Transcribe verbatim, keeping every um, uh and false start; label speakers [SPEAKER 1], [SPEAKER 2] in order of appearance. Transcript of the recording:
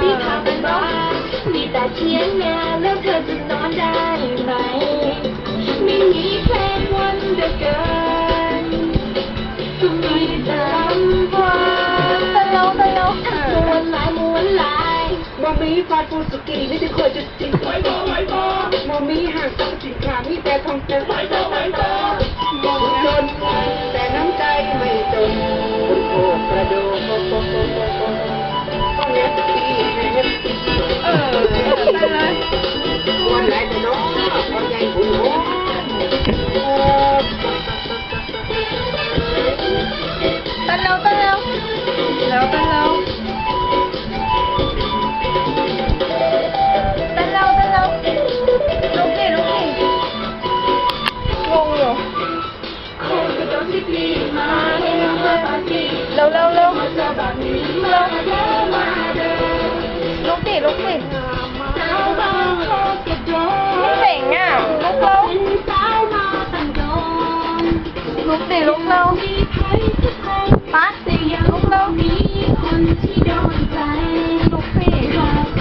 [SPEAKER 1] ที่ทำบ้านมีแต่เทียงนาแล้วเธอจะนอนได้ไหมไม่มีเพลงวันเดือเกินก็มีแต่ลำพังตะเลาตะเลาม้วนลายม้วนลายบ่มีฟาดฟูสุกี้นี่จะเคยจะจริงไว้บ่ไว้บ่บ่มีห่างกับสินค้ามีแต่ทองเต็มไว้บ่ไว้บ่บ่จนแต่น้ำใจไม่จนคนโอบกระโดดโป๊ะโป๊ะโป๊ะโป๊ะโป๊ะต้องเน็ตตีเน็ตตีเออไปเลยวันไหนจะน้องวันใหญ่คุณโอ้ตะเลาตะเลาแล้วตะเลาตะเลาตะเลาลุกดิลุกดิงงอยู่เร็วเร็วเร็วลุกดิลุกดิเจ๋งอ่ะลุกเร็วลุกดิลุกเร็วปั๊ดลุกเร็วลุกสิ